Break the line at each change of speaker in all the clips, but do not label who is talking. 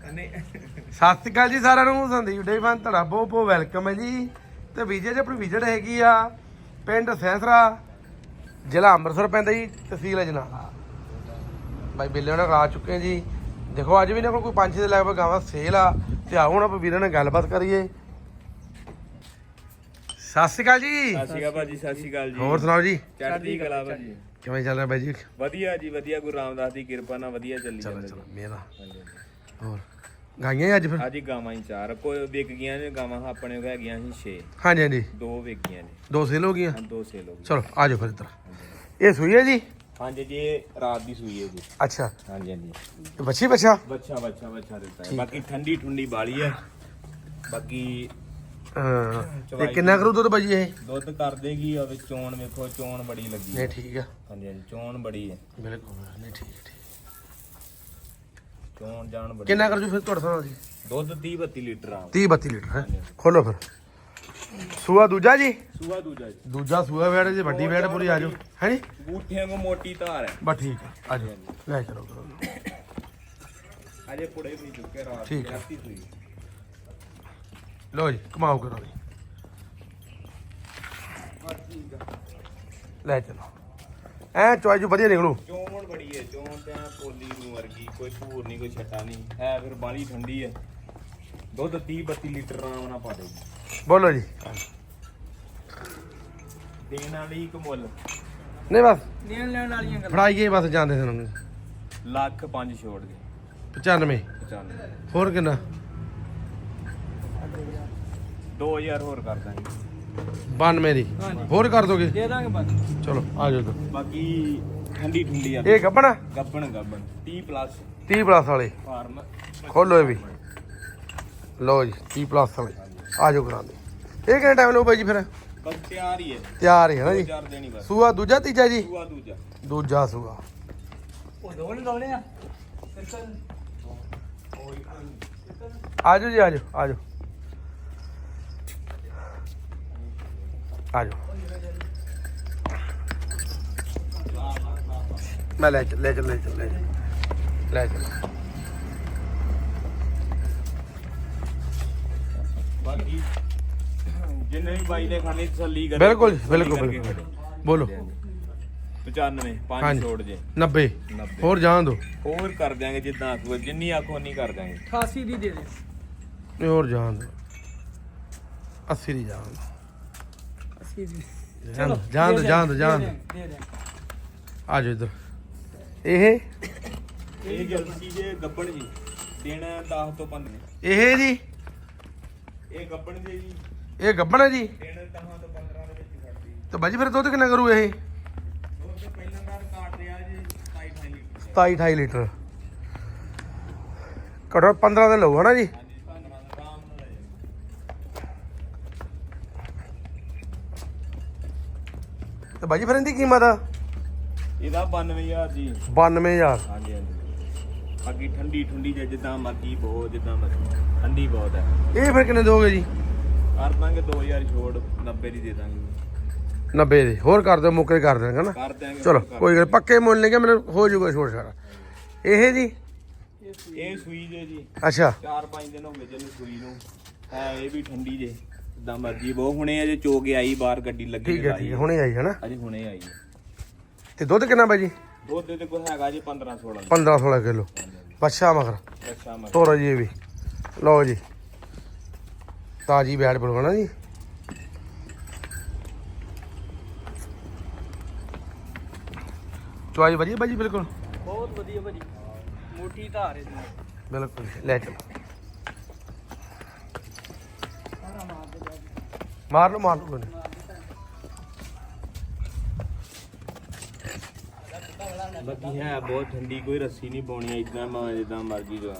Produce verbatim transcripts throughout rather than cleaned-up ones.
ਸਤਿ ਸ਼੍ਰੀ ਅਕਾਲ ਜੀ ਸਾਰਿਆਂ ਨੂੰ। ਸੰਦੀਪ ਡੇਅਰੀ ਫਾਰਮ ਤੁਹਾਡਾ ਬਹੁਤ ਬਹੁਤ ਵੈਲਕਮ ਹੈ ਜੀ। ਤੇ ਵੀਜ਼ੇ 'ਚ ਆਪਣੀ ਵਿਜ਼ਿਟ ਹੈਗੀ ਆ ਪਿੰਡ ਸੈਂਸਰਾ, ਜ਼ਿਲ੍ਹਾ ਅੰਮ੍ਰਿਤਸਰ ਪੈਂਦਾ ਜੀ, ਤਹਿਸੀਲ ਅਜਨਾਲਾ। ਬਾਈ ਬਿੱਲੇ ਉਹਨਾਂ ਆ ਚੁੱਕੇ ਜੀ। ਦੇਖੋ ਅੱਜ ਵੀ ਇਹਨਾਂ ਕੋਲ ਕੋਈ ਪੰਜ ਛੇ ਦੇ ਲਗਭਗ ਗਾਵਾਂ ਸੇਲ ਆ। ਤੇ ਆਓ ਹੁਣ ਆਪਾਂ ਵੀਰਾਂ ਨਾਲ ਗੱਲਬਾਤ ਕਰੀਏ। ਸਤਿ ਸ਼੍ਰੀ ਅਕਾਲ ਜੀ।
ਸਤਿ ਸ਼੍ਰੀ ਅਕਾਲ ਭਾਜੀ। ਸਤਿ ਸ਼੍ਰੀ ਅਕਾਲ ਜੀ।
ਹੋਰ ਸੁਣਾਓ ਜੀ।
ਚੜ੍ਹਦੀ ਕਲਾ ਭਾਜੀ।
ਕਿਵੇਂ ਚੱਲ ਰਿਹਾ ਬਾਈ ਜੀ?
ਵਧੀਆ ਜੀ ਵਧੀਆ, ਗੁਰੂ ਰਾਮਦਾਸ ਦੀ ਕਿਰਪਾ ਨਾਲ ਵਧੀਆ ਚੱਲੀ
ਚਲੋ
ਜਾਂਦਾ
ਚਲੋ
ਜੀ।
ਮੇਰਾ
ਹਾਂਜੀ, ਹਾਂਜੀ।
ਹੋਰ ਗਾਈਆਂ ਅੱਜ ਫਿਰ?
ਅੱਜ ਗਾਵਾਂ ਹੀ ਚਾਰ ਕੋਈ ਵਿਕ ਗਈਆਂ ਨੇ ਗਾਵਾਂ, ਆਪਣੇ ਕੋਲ ਹੈਗੀਆਂ ਸੀ ਛੇ,
ਹਾਂਜੀ ਹਾਂਜੀ,
ਦੋ ਵਿਕ ਗਈਆਂ ਨੇ,
ਦੋ ਸੇਲ ਹੋ ਗਈਆਂ।
ਹਾਂ ਦੋ ਸੇਲ ਹੋ ਗਈਆਂ।
ਚਲੋ ਆ ਜਾਓ ਫਿਰ ਇੱਧਰ। ਇਹ ਸੂਈ ਹੈ ਜੀ?
ਹਾਂਜੀ ਜੀ, ਇਹ ਰਾਤ ਦੀ ਸੂਈ ਹੈ ਜੀ।
ਅੱਛਾ,
ਹਾਂਜੀ ਹਾਂਜੀ,
ਤੇ ਬੱਚੀ ਬੱਚਾ?
ਬੱਚਾ ਬੱਚਾ ਬੱਚਾ ਦਿੱਤਾ ਹੈ। ਬਾਕੀ ਠੰਡੀ ਠੁੰਡੀ ਬਾਲੀ ਹੈ। ਬਾਕੀ
ਹਾਂ, ਤੇ ਕਿੰਨਾ ਕਰੂ ਦੁੱਧ ਬਾਜੀ ਇਹ?
ਦੁੱਧ ਕਰ ਦੇਗੀ। ਆ ਚੋਣ ਵੇਖੋ, ਚੋਣ ਬੜੀ ਲੱਗੀ
ਨਹੀਂ ਠੀਕ ਆ।
ਹਾਂਜੀ ਹਾਂਜੀ, ਚੋਣ ਬੜੀ ਹੈ।
ਬਿਲਕੁਲ ਨਹੀਂ ਠੀਕ ਠੀਕ।
ਚੋਣ ਜਾਣ ਬੜੀ।
ਕਿੰਨਾ ਕਰ ਜੂ ਫਿਰ ਤੁਹਾਡੇ ਨਾਲ ਜੀ?
ਦੁੱਧ ਤੀਹ ਬੱਤੀ ਲੀਟਰ ਆ।
ਤੀਹ ਬੱਤੀ ਲੀਟਰ ਹੈ। ਖੋਲੋ ਫਿਰ। ਸੂਆ ਦੂਜਾ ਜੀ?
ਸੂਆ ਦੂਜਾ ਜੀ।
ਦੂਜਾ ਸੂਆ ਵੈੜ ਜੀ, ਵੱਡੀ ਵੈੜ ਪੂਰੀ ਆ ਜਾਓ। ਹੈ ਨੀ
ਬੂਠਿਆਂ ਕੋ ਮੋਟੀ ਧਾਰ ਹੈ।
ਬਸ ਠੀਕ ਹੈ, ਆ ਜਾਓ ਲੈ ਚਲੋ ਕਰੋ।
ਅਜੇ ਪੁੜੇ ਵੀ ਚੁੱਕੇ ਰਾਤ
ਠੀਕ ਹੈ।
ਰਾਤੀ ਸੂਈ।
ਲੋ ਜੀ ਕਮਾਓ ਕਰੋ ਜੀ। ਲੈ ਚਲੋ ਐ ਚੋਈ ਜੂ ਵਧੀਆ ਨਿਕਲੂ।
ਚੋਣ ਬੜੀ ਹੈ। ਚੋਣ ਤੇ ਐਂ ਪੋਲੀ ਨੂੰ ਵਰਗੀ, ਕੋਈ ਧੂਰ ਨਹੀਂ ਕੋਈ ਛੱਟਾ ਨਹੀਂ ਹੈ। ਫਿਰ ਬਾਲੀ ਠੰਡੀ ਹੈ। ਦੁੱਧ ਤੀਹ ਬੱਤੀ ਲੀਟਰ ਆਰਾਮ ਨਾਲ ਪਾ ਦੇਗੀ।
ਬੋਲੋ ਜੀ।
ਦੇਣ ਵਾਲੀ ਇੱਕ ਮੁੱਲ
ਨਹੀਂ ਬਸ
ਦੇਣ ਲੈਣ ਵਾਲੀਆਂ ਗੱਲਾਂ।
ਫੜਾਈ ਗਏ ਬਸ ਜਾਂਦੇ ਸਾਨੂੰ।
ਲੱਖ ਪੰਜ ਛੋੜ ਦੇ
ਪਚਾਨਵੇਂ।
ਪਚਾਨਵੇਂ।
ਹੋਰ ਕਿੰਨਾ?
ਦੋ ਹਜ਼ਾਰ ਹੋਰ ਕਰ ਦਾਂਗੇ।
ਬਾਨਵੇਂ ਦੀ ਹੋਰ ਕਰ ਦੋਗੇ?
ਦੇ ਦਾਂਗੇ ਬਸ।
ਚਲੋ ਆ ਜਾਓ।
ਬਾਕੀ ਠੰਡੀ ਠੁੰਡੀ ਆ।
ਇਹ ਗੱਬਣ?
ਗੱਬਣ ਗੱਬਣ ਤੀਹ ਪਲੱਸ
ਤੀਹ ਪਲੱਸ ਵਾਲੇ
ਫਾਰਮ।
ਖੋਲੋ ਇਹ ਵੀ। ਲਓ ਜੀ ਤੀਹ ਪਲੱਸ ਵਾਲੇ ਆ ਜਾਓ ਕਰਾਂਦੇ। ਇਹ ਕਿੰਨਾ ਟਾਈਮ ਲਓ ਬਾਈ ਜੀ ਫਿਰ?
ਬਸ ਤਿਆਰ ਹੀ ਹੈ।
ਤਿਆਰ ਹੀ ਹੈ ਨਾ ਜੀ।
ਚਾਰ ਦੇਣੀ ਬਸ।
ਸੂਆ ਦੂਜਾ ਤੀਜਾ ਜੀ?
ਸੂਆ ਦੂਜਾ।
ਦੂਜਾ ਸੂਆ।
ਉਹ ਦੋਨੇ ਦੋਨੇ ਆ।
ਆ ਜਾਓ ਜੀ, ਆ ਜਾਓ ਆ ਜਾਓ ਆ ਜਾਓ। ਮੈਂ ਲੈ ਚੱਲ ਲੈ ਚੱਲ ਲੈ ਚੱਲ ਲੈ ਚੱਲ ਲੈ ਚੱਲ।
ਬਾਕੀ ਜਿੰਨੇ ਵੀ ਬਾਈ ਨੇ ਖਾਣੀ ਤਸੱਲੀ ਕਰੇ।
ਬਿਲਕੁਲ ਜੀ, ਬਿਲਕੁਲ ਬਿਲਕੁਲ। ਬੋਲੋ।
ਪਚਾਨਵੇਂ ਪੰਜ
ਹਾਂਜੀ।
ਛੋੜ ਜੇ।
ਨੱਬੇ
ਨੱਬੇ।
ਹੋਰ ਜਾਣ ਦੋ।
ਹੋਰ ਕਰ ਦਿਆਂਗੇ ਜਿੱਦਾਂ ਆਖੋ, ਜਿੰਨੀ ਆਖੋ ਨਹੀਂ ਕਰ ਦਿਆਂਗੇ।
ਅਠਾਸੀ ਦੀ ਦੇ ਦੇ।
ਨਹੀਂ ਹੋਰ ਜਾਣ ਦੋ। ਅੱਸੀ ਦੀ ਜਾਣ ਦੋ।
ਅੱਸੀ ਦੀ
ਜਾਣ ਦੋ ਜਾਣ ਦੋ ਜਾਣ ਦੋ ਜਾਣ ਦੋ।
ਦੇ ਦੇ।
ਆ ਜਾਓ ਇੱਧਰ। ਇਹ
ਇਹ ਜਲਦੀ ਜੇ ਗੱਬਣ ਜੀ ਦਿਨ ਦਸ ਤੋਂ ਪੰਦਰਾਂ।
ਇਹ ਜੀ
ਇਹ ਗੱਬਣ ਜੇ ਜੀ
ਇਹ ਗੱਬਣ ਹੈ ਜੀ।
ਦਿਨ ਦਸ ਤੋਂ ਪੰਦਰਾਂ ਦੇ ਵਿੱਚ ਖੜਦੀ।
ਤੇ ਬਾਜੀ ਫਿਰ ਦੁੱਧ ਕਿੰਨਾ ਕਰੂ ਇਹ?
ਉਹ ਤੇ ਪਹਿਲਾਂ ਦਾ ਕਾਟ ਰਿਹਾ ਜੀ ਸਤਾਈ ਅਠਾਈ ਲੀਟਰ।
ਸਤਾਈ ਅਠਾਈ ਲੀਟਰ ਘੱਟੋ ਪੰਦਰਾਂ ਦੇ ਲਊ ਹਨਾ ਜੀ?
ਹਾਂਜੀ ਪੰਦਰਾਂ ਦਾ ਆਰਾਮ ਨਾਲ ਲੈ ਜਾਓ।
ਤੇ ਬਾਜੀ ਫਿਰ ਇਹਦੀ ਕੀਮਤ
ਇਹਦਾ ਬਾਨਵੇਂ ਹਜ਼ਾਰ ਜੀ।
ਬਾਨਵੇਂ ਹਜ਼ਾਰ।
ਹਾਂਜੀ ਹਾਂਜੀ। ਬਾਕੀ ਠੰਡੀ ਠੁੰਡੀ ਜੇ ਜਿੱਦਾਂ ਮਰਜੀ ਬਹੁਤ, ਜਿੱਦਾਂ ਮਰਜੀ ਠੰਡੀ ਬਹੁਤ ਹੈ।
ਇਹ ਫਿਰ ਕਿੰਨੇ ਦੋਗੇ ਜੀ?
ਕਰ ਦਾਂਗੇ ਦੋ ਹਜ਼ਾਰ ਛੋੜ, ਨੱਬੇ ਦੀ ਦੇ ਦਾਂਗੇ।
ਨੱਬੇ ਦੇ ਹੋਰ ਕਰ ਦਿਓ, ਮੁੱਕੇ ਕਰ ਦੇਣਗੇ ਨਾ।
ਕਰ ਦਿਆਂਗੇ।
ਚਲੋ ਕੋਈ ਗੱਲ, ਪੱਕੇ ਮੁੱਲ ਨਹੀਂ ਕਿ ਮੈਨੂੰ ਹੋ ਜਾਊਗਾ ਛੋੜ ਛਾੜਾ। ਇਹ ਜੀ
ਇਹ ਸੂਈ ਜੇ ਜੀ।
ਅੱਛਾ
ਚਾਰ ਪੰਜ ਦਿਨ ਹੋ ਗਏ ਜਿਹਨੂੰ ਸੂਈ ਨੂੰ। ਹੈ ਇਹ ਵੀ ਠੰਡੀ ਜੇ, ਜਿੱਦਾਂ ਮਰਜੀ ਬਹੁਤ। ਹੁਣੇ ਅਜੇ ਚੋ ਕੇ ਆਈ ਬਾਹਰ, ਗੱਡੀ ਲੱਗੀ
ਠੀਕ ਹੈ ਠੀਕ ਹੈ, ਹੁਣੇ ਆਈ ਹੈ ਨਾ?
ਅਜੇ ਹੁਣੇ ਆਈ।
ਤੇ ਦੁੱਧ ਕਿੰਨਾ ਬਾਜੀ?
ਦੁੱਧ ਦੇ ਕੋਲ ਹੈਗਾ ਜੀ ਪੰਦਰਾਂ ਸੋਲਾਂ।
ਪੰਦਰਾਂ ਸੋਲਾਂ ਕਿਲੋ। ਬੱਛਾ ਮਗਰ
ਅੱਛਾ ਮਰ
ਤੋਰੋ ਜੀ ਇਹ ਵੀ। ਲਓ ਜੀ ਤਾਜੀ ਬੈੜ ਪੜਵਾਣਾ ਜੀ। ਚੁਆਈ ਵਧੀਆ ਬਾਜੀ? ਬਿਲਕੁਲ
ਬਹੁਤ ਵਧੀਆ ਭਾਜੀ, ਮੋਟੀ ਧਾਰ ਇਹਦੀ।
ਬਿਲਕੁਲ ਲੈ ਚਲੋ। ਮਾਰ ਲਓ ਮਾਰ ਲਓ।
ਬਾਕੀ ਹੈ ਬਹੁਤ ਠੰਡੀ, ਕੋਈ ਰੱਸੀ ਨਹੀਂ ਪਾਉਣੀ। ਇਦਾਂ ਮੈਂ ਜਿੱਦਾਂ ਮਰਜੀ ਜੋ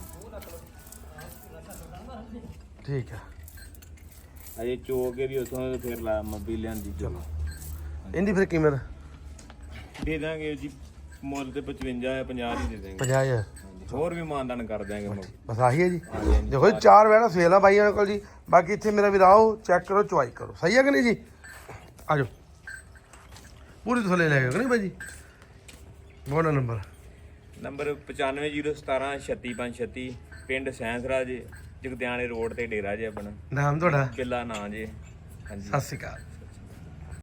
ਠੀਕ ਹੈ।
ਅਜੇ ਚੋ ਕੇ ਵੀ ਉਥੋਂ ਫਿਰ ਲਾ ਮੱਬੀ ਲਿਆਂਦੀ। ਚਲੋ
ਇਹਦੀ ਫਿਰ ਕੀਮਤ
ਦੇ ਦਾਂਗੇ ਜੀ। ਮੁੱਲ ਤੇ ਪਚਵੰਜਾ ਹੈ, ਪੰਜਾਹ ਹੀ ਦੇ ਦਾਂਗੇ।
ਪੰਜਾਹ ਹਜ਼ਾਰ।
ਹੋਰ ਵੀ ਮਾਨਦਾਨ ਕਰ ਦਿਆਂਗੇ ਮੁੱਲ।
ਬਸ ਆਹੀ ਹੈ ਜੀ।
ਹਾਂਜੀ, ਹਾਂਜੀ।
ਦੇਖੋ ਜੀ ਚਾਰ ਵੈਣਾ ਸੇਲ ਆ ਬਾਈਆਂ ਕੋਲ ਜੀ। ਬਾਕੀ ਇੱਥੇ ਮੇਰਾ ਵੀ ਆਓ, ਚੈੱਕ ਕਰੋ, ਚੁਆਈ ਕਰੋ। ਸਹੀ ਹੈ ਕਿ ਨਹੀਂ ਜੀ? ਆ ਜਾਓ ਪੂਰੀ ਥੱਲੇ ਲੈ ਕੇ ਨਹੀਂ ਬਾਈ ਜੀ? ਬੋਲੋ ਨੰਬਰ।
ਨੰਬਰ ਪਚਾਨਵੇਂ ਜ਼ੀਰੋ ਸਤਾਰਾਂ ਛੱਤੀ ਪੰਜ ਛੱਤੀ। ਪਿੰਡ ਸੈਂਸਰਾ ਜੇ ਜਗਦਿਆਣੇ ਰੋਡ ਤੇ ਡੇਰਾ ਜੇ ਆਪਣਾ
ਨਾਮ ਤੁਹਾਡਾ?
ਕਿੱਲਾ ਨਾਂ ਜੇ। ਹਾਂਜੀ
ਸਤਿ ਸ਼੍ਰੀ ਅਕਾਲ।